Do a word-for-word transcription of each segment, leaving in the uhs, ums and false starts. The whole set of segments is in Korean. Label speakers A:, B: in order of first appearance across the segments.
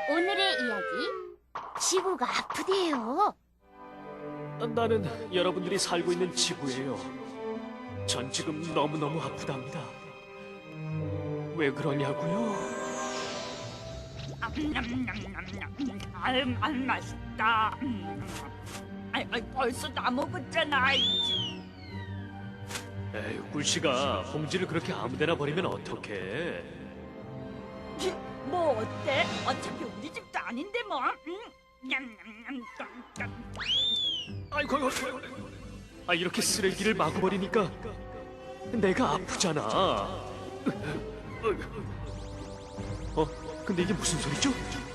A: 오늘의 이야기, 지구가 아프대요.
B: 나는 여러분들이 살고 있는 지구예요. 전 지금 너무너무 아프답니다. 왜 그러냐고요?
C: 아유, 아유, 맛있다. 음. 아이, 아이, 벌써 다 먹었잖아.
B: 에이, 꿀씨가 봉지를 그렇게 아무데나 버리면 어떡해?
C: 뭐 어때? 어차피 우리 집도 아닌데 뭐. 음. 냠냠냠, 깜깜.
B: 아이고, 아이고, 아이고. 아, 이렇게 쓰레기를 마구 버리니까 내가 아프잖아. 어? 근데 이게 무슨 소리죠?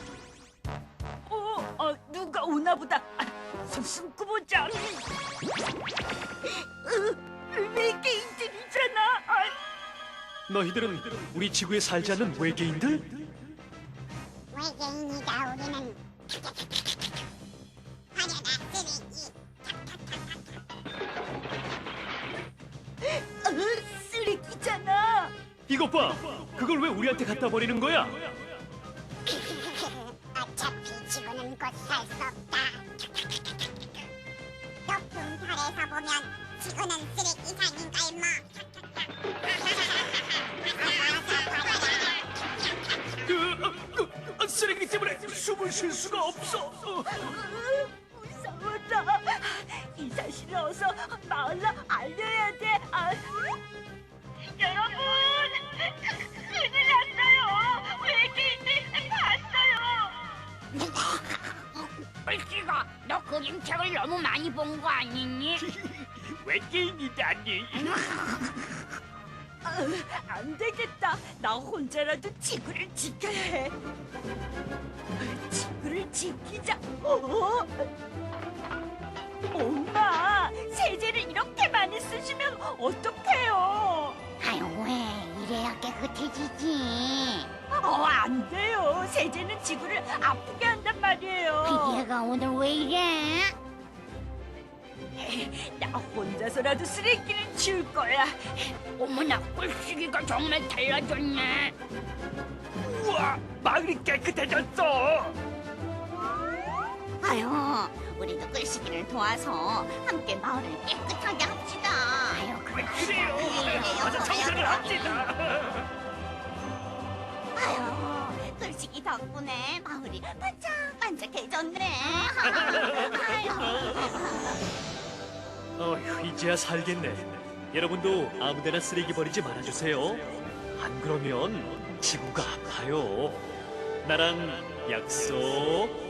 C: 어, 어, 누가 오나 보다. 아, 손 숨고 보자. 으, 외계인들이잖아. 아,
B: 너희들은 우리 지구에 살지 않는 외계인들?
D: 외계인이다 우리는. 화려다 쓰레기.
C: 으, 쓰레기잖아.
B: 이것 봐! 그걸 왜 우리한테 갖다 버리는 거야?
D: 어차피 지구는 곧 살 수 없다. 높은 별에서 보면 지구는 쓰레기산인걸 뭐.
B: 그, 어, 그, 어, 쓰레기 때문에 숨을 쉴 수가 없어. 어.
C: 으, 무서워라. 이 사실을 어서 마을로 알려야 돼. 아. 여러분, 큰일 났어요. 외계인들 봤어요.
A: 꿀씨가 너 그림책을 너무 많이 본 거 아니니?
B: 외계인이다니.
C: 아, 안 되겠다. 나 혼자라도 지구를 지켜야 해. 지구를 지키자. 어? 엄마, 세제를 이렇게 많이 쓰시면 어떡해요?
A: 아유, 왜 이래야 깨끗해지지?
C: 어, 안 돼요. 세제는 지구를 아프게 한단 말이에요.
A: 얘가 오늘 왜 이래?
C: 나 혼자서라도 쓰레기를 치울 거야.
A: 어머나, 꿀씨기가 정말 달라졌네.
B: 우와, 마을이 깨끗해졌어.
A: 아유, 우리도 꿀씨기를 도와서 함께 마을을 깨끗하게 합시다. 아유,
B: 그래요.
A: 그래요.
B: 어서 청소를 합시다.
A: 아유, 꿀씨기 덕분에 마을이 반짝반짝해졌네. 아유.
B: 어휴, 이제야 살겠네. 여러분도 아무데나 쓰레기 버리지 말아주세요. 안 그러면 지구가 아파요. 나랑 약속.